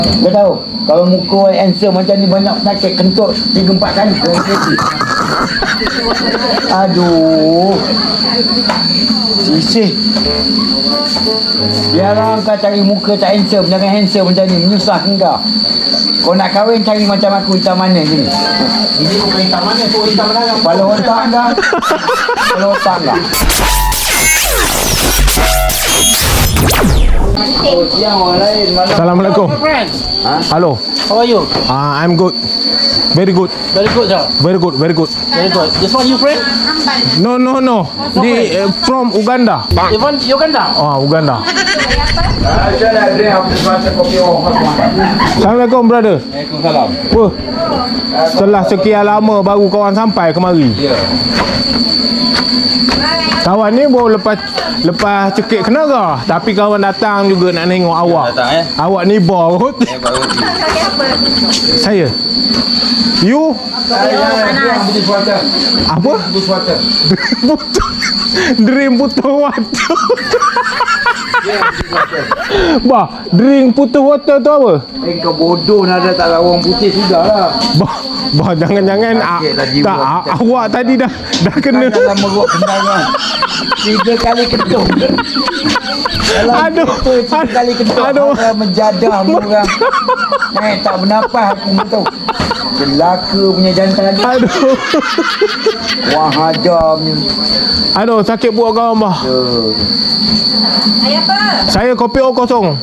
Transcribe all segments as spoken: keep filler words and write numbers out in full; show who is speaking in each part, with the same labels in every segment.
Speaker 1: Kau tahu, kalau muka handsome macam ni banyak sakit kentut tiga empat kali kena kereta. Aduh. Sisih. Biarlah kau cari muka tak handsome, jangan handsome macam ni, menyusahkan kau. Kau nak kahwin cari macam aku hitam manis ni.
Speaker 2: Ini bukan hitam manis, tu hitam menarang.
Speaker 1: Kepala otak kau. Kepala otak kau. Oh, siang orang lain. Malam.
Speaker 3: Assalamualaikum.
Speaker 1: Ha?
Speaker 3: Hello.
Speaker 2: How are you?
Speaker 3: Uh, I'm good. Very good.
Speaker 2: Very good, sir.
Speaker 3: Very good. Very good.
Speaker 2: Very good. This one you friend?
Speaker 3: No, no, no. Di uh, from Uganda.
Speaker 2: Even Uganda?
Speaker 3: Oh, Uganda.
Speaker 1: Saya nak drink apa semacam kopi orang.
Speaker 3: Assalamualaikum, brother.
Speaker 1: Waalaikumsalam.
Speaker 3: Wah. Setelah sekian lama baru kawan sampai kemari.
Speaker 1: Ya.
Speaker 3: Kawan ni baru lepas lepas cekik kena ke? Tapi kawan datang juga nak tengok awak.
Speaker 1: Datang eh.
Speaker 3: Awak ni bot.
Speaker 1: Eh baru.
Speaker 3: Saya. You
Speaker 1: Saya yang butuh suara.
Speaker 3: apa?
Speaker 1: Butuh suara.
Speaker 3: Putus. Dream putus water. Bah, drink putus water tu apa?
Speaker 1: Eh kau bodoh nak ada tak orang putih sudahlah.
Speaker 3: Bah, bah jangan-jangan ah,
Speaker 1: Sakitlah jiwa
Speaker 3: tak ah,
Speaker 1: kita.
Speaker 3: awak tadi dah dah kena.
Speaker 1: Dalam meruk kendangan. Tiga kali ketuk. Dalam
Speaker 3: Aduh,
Speaker 1: kereta, tiga
Speaker 3: aduh,
Speaker 1: kali ketuk.
Speaker 3: aduh.
Speaker 1: Orang menjadah orang. Eh tak bernafas aku betul. Celaka punya jantan lagi.
Speaker 3: Aduh.
Speaker 1: Wah hajamnya.
Speaker 3: Aduh, sakit buat kawan bah.
Speaker 1: Uh.
Speaker 3: Saya kopi O kosong.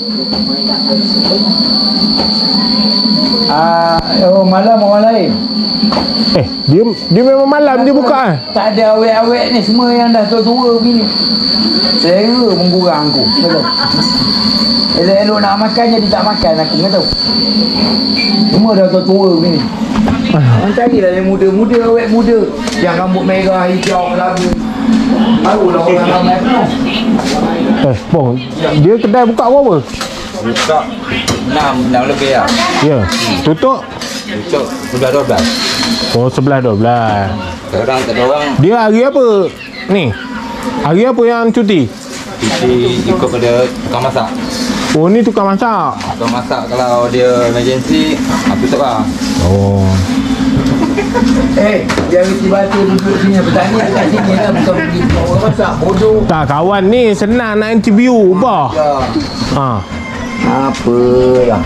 Speaker 1: Ah, oh malam orang lain.
Speaker 3: Eh, dia dia memang malam dia buka eh.
Speaker 1: Tak ada awet-awet ni semua yang dah tua-tua begini. Selera menggurang aku. Betul. Elok-elok nak makan jadi tak makan aku kata. Semua dah tua-tua begini. Orang carilah yang muda-muda, awet muda. Yang rambut merah, hijau, labu. Barulah orang ramai penuh.
Speaker 3: Eh, bong, dia kedai buka berapa?
Speaker 4: Buka enam, enam lebih lah.
Speaker 3: Ya. Tutup?
Speaker 4: Tutup sudah dua belas.
Speaker 3: Oh, sebelas dua belas.
Speaker 4: Sekarang tak ada orang.
Speaker 3: Dia hari apa? Ni. Hari apa yang cuti?
Speaker 4: Cuti ikut pada tukang masak.
Speaker 3: Oh, ni tukang masak.
Speaker 4: Tukang masak kalau dia emergency, aku tutup lah.
Speaker 3: Oh.
Speaker 1: Eh, dia reti batu duduk sini. Bertanya kat sini lah. Bukan pergi orang masak. Bodoh.
Speaker 3: Tak, kawan ni senang nak interview bah.
Speaker 1: Ya.
Speaker 3: Ha.
Speaker 1: Apalah.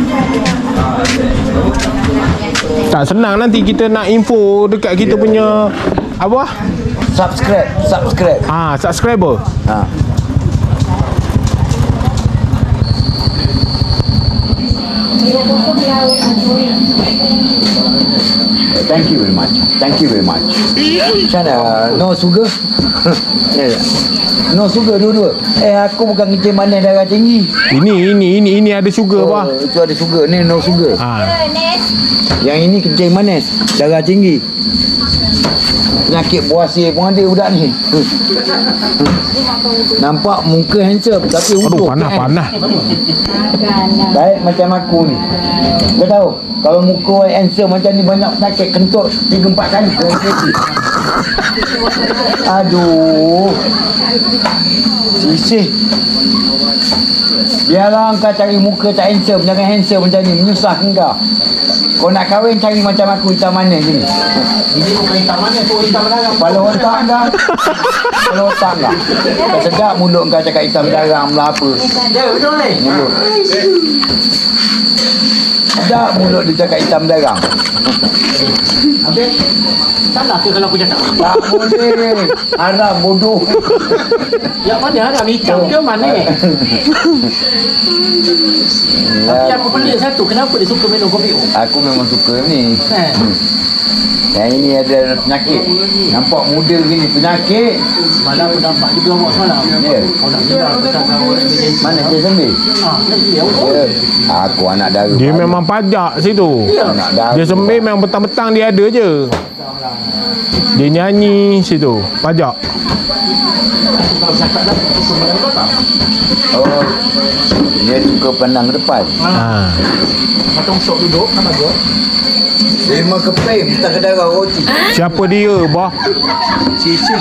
Speaker 3: Tak senang nanti kita nak info dekat kita punya apa?
Speaker 1: Subscribe. Subscribe.
Speaker 3: Ah, subscriber.
Speaker 1: Ha. Thank you very much. Thank you very much. Macam mana? No sugar? Yeah. No sugar dua-dua. Eh aku bukan kencing manis darah tinggi.
Speaker 3: Ini ini ini ini ada sugar bah.
Speaker 1: Oh, itu ada sugar. Ni no sugar.
Speaker 3: Ha.
Speaker 1: Yang ini kencing manis darah tinggi. Penyakit buasir pun ada budak ni. Nampak muka handsome tapi
Speaker 3: Aduh,
Speaker 1: utuh
Speaker 3: panas
Speaker 1: kan?
Speaker 3: panas.
Speaker 1: Baik macam aku ni. Kau tahu, kalau muka handsome macam ni banyak sakit kentut tiga empat kali kena kereta. Aduh. Sisih. Biarlah kau cari muka tak handsome, jangan handsome macam ni, menyusahkan kau. Kau nak kahwin cari macam aku hitam manis ni.
Speaker 2: Ini bukan hitam manis, tu hitam menarang.
Speaker 1: Kepala otak kau. Kepala otak kau. Kau sedap mulut kau cakap hitam darah lah apa.
Speaker 2: Ya, betul ni.
Speaker 1: Mulut. Sedap mulut dia cakap hitam darah.
Speaker 2: Habis, salah ke kalau aku cakap?
Speaker 1: Tak boleh. Haram bodoh.
Speaker 2: Yang mana haram, hitam ke mana? Tapi aku pelik satu, kenapa dia suka minum kopi O?
Speaker 1: Aku memang suka ni.
Speaker 2: Eh,
Speaker 1: Yang ini ada penyakit. Nampak muda gini penyakit.
Speaker 2: semalam aku nampak juga awak semalam.
Speaker 1: Ya.
Speaker 2: Kau nak bilang tentang awak emergency.
Speaker 1: Mana dia sembil?
Speaker 2: Ah, nak dia awak.
Speaker 1: Ya. Aku anak dara.
Speaker 3: Dia
Speaker 1: baru.
Speaker 3: memang pajak situ.
Speaker 1: Anak dara.
Speaker 3: Dia sembih memang petang-petang dia ada je. Dia nyanyi situ. Pajak.
Speaker 2: Kalau cakap dah, itu sebenarnya kau tak.
Speaker 1: Oh, dia suka pandang ke depan.
Speaker 3: Ha.
Speaker 2: Macam sok duduk, kan bagus.
Speaker 1: Lima keping, tak ke darah roti.
Speaker 3: Siapa dia, bah?
Speaker 2: Cici.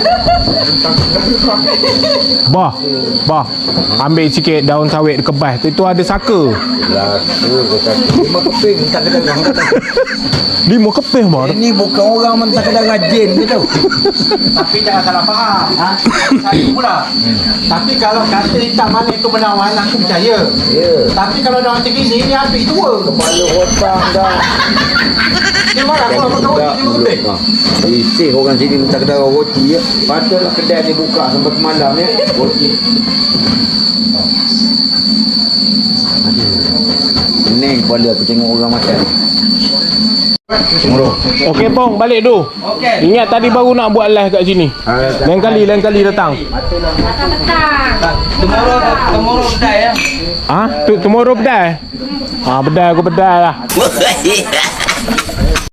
Speaker 3: Bah. Bah. Ambil sikit daun sawit kebas tu. Itu ada saka.
Speaker 1: Laka kata. Lima keping, tak ke darah.
Speaker 3: Lima kepih, bah.
Speaker 1: Ini bukan orang yang tak ke darah jin ke tau.
Speaker 2: Tapi jangan salah faham. Ha? Saya pula. Tapi kalau kata hitam mana itu menawan, aku percaya.
Speaker 1: Ya.
Speaker 2: Tapi kalau dah macam ni, ni habis tua.
Speaker 1: Kepala hutang dah.
Speaker 2: Dia marah aku apa kau ni lebih.
Speaker 1: Isih orang sini minta kedai roti ya. Patutlah kedai ni buka sampai ke malam ya. Roti. Pening kepala aku tengok orang makan. Murah.
Speaker 3: Okey, Pong. Balik tu.
Speaker 2: Okey.
Speaker 3: Ingat tadi baru nak buat live kat sini. Lain kali, lain kali datang.
Speaker 2: Tomorrow, tomorrow kedai ya.
Speaker 3: Ah, tu tomorrow bedai. Ah, bedai aku bedai lah.